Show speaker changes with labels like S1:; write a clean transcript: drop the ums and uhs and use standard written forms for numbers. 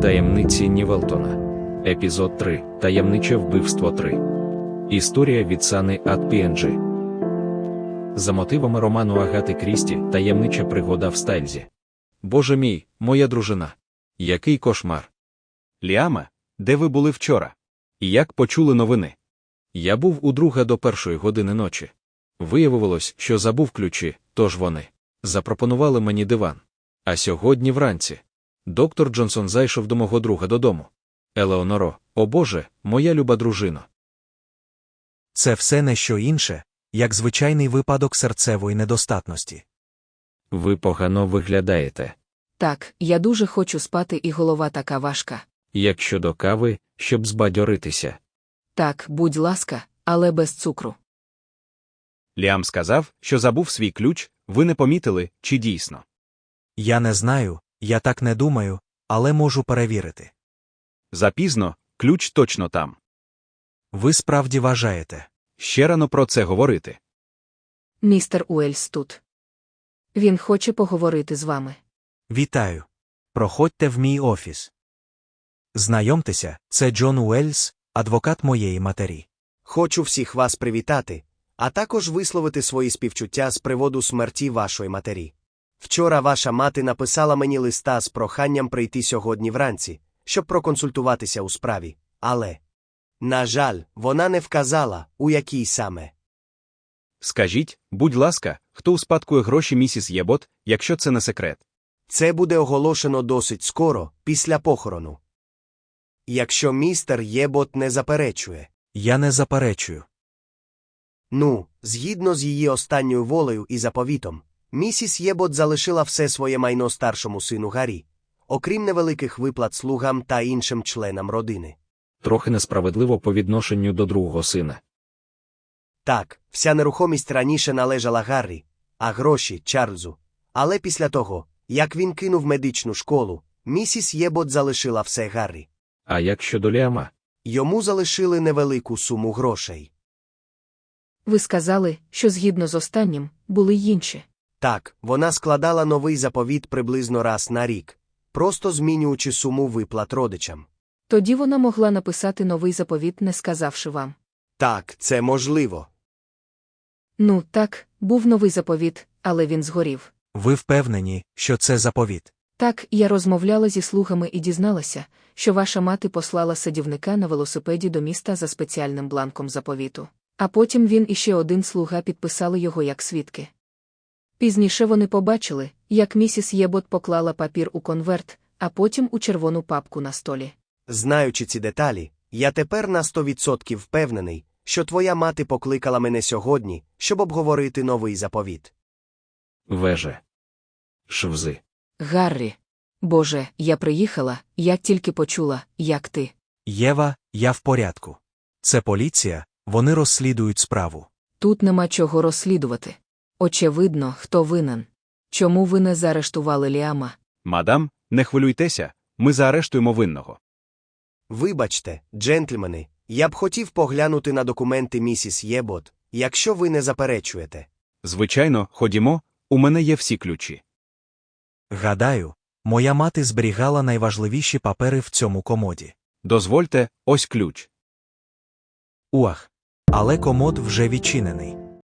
S1: Таємниці Нівелтона. Епізод 3. Таємниче вбивство 3. Історія від Сани ад Пі-Ен-Джі. За мотивами роману Агати Крісті «Таємнича пригода в Стайлзі». Боже мій, моя дружина. Який кошмар.
S2: Ліаме, де ви були вчора? І як почули новини?
S1: Я був у друга до 1 години ночі. Виявилось, що забув ключі, тож вони запропонували мені диван. А сьогодні вранці доктор Джонсон зайшов до мого друга додому. Елеоноро, о Боже, моя люба дружино.
S3: Це все не що інше, як звичайний випадок серцевої недостатності.
S1: Ви погано виглядаєте.
S4: Так, я дуже хочу спати і голова така важка.
S1: Як щодо кави, щоб збадьоритися?
S4: Так, будь ласка, але без цукру.
S2: Ліам сказав, що забув свій ключ, ви не помітили, чи дійсно?
S3: Я не знаю, я так не думаю, але можу перевірити.
S2: Запізно, ключ точно там.
S3: Ви справді вважаєте?
S2: Ще рано про це говорити.
S4: Містер Уельс тут. Він хоче поговорити з вами.
S3: Вітаю. Проходьте в мій офіс. Знайомтеся, це Джон Уельс, адвокат моєї матері.
S5: Хочу всіх вас привітати, а також висловити свої співчуття з приводу смерті вашої матері. Вчора ваша мати написала мені листа з проханням прийти сьогодні вранці, щоб проконсультуватися у справі, але, на жаль, вона не вказала, у якій саме.
S2: Скажіть, будь ласка, хто успадкує гроші місіс Єбот, якщо це не секрет?
S5: Це буде оголошено досить скоро, після похорону. Якщо містер Єбот не заперечує.
S3: Я не заперечую.
S5: Згідно з її останньою волею і заповітом, місіс Єбот залишила все своє майно старшому сину Гаррі, окрім невеликих виплат слугам та іншим членам родини.
S1: Трохи несправедливо по відношенню до другого сина.
S5: Так, вся нерухомість раніше належала Гаррі, а гроші – Чарльзу. Але після того, як він кинув медичну школу, місіс Єбот залишила все Гаррі.
S1: А як щодо Ліама?
S5: Йому залишили невелику суму грошей.
S4: Ви сказали, що згідно з останнім, були й інші.
S5: Так, вона складала новий заповіт приблизно раз на рік, просто змінюючи суму виплат родичам.
S4: Тоді вона могла написати новий заповіт, не сказавши вам.
S5: Так, це можливо.
S4: Так, був новий заповіт, але він згорів.
S3: Ви впевнені, що це заповіт?
S4: Так, я розмовляла зі слугами і дізналася, що ваша мати послала садівника на велосипеді до міста за спеціальним бланком заповіту. А потім він і ще один слуга підписали його як свідки. Пізніше вони побачили, як місіс Єбот поклала папір у конверт, а потім у червону папку на столі.
S5: Знаючи ці деталі, я тепер на 100% впевнений, що твоя мати покликала мене сьогодні, щоб обговорити новий заповіт.
S1: Веже. Швзи.
S4: Гаррі. Боже, я приїхала, як тільки почула, як ти.
S3: Єва, я в порядку. Це поліція, вони розслідують справу.
S4: Тут нема чого розслідувати. Очевидно, хто винен. Чому ви не заарештували Ліама?
S2: Мадам, не хвилюйтеся, ми заарештуємо винного.
S5: Вибачте, джентльмени, я б хотів поглянути на документи місіс Єбот, якщо ви не заперечуєте.
S2: Звичайно, ходімо, у мене є всі ключі.
S3: Гадаю, моя мати зберігала найважливіші папери в цьому комоді.
S2: Дозвольте, ось ключ.
S3: Але комод вже відчинений.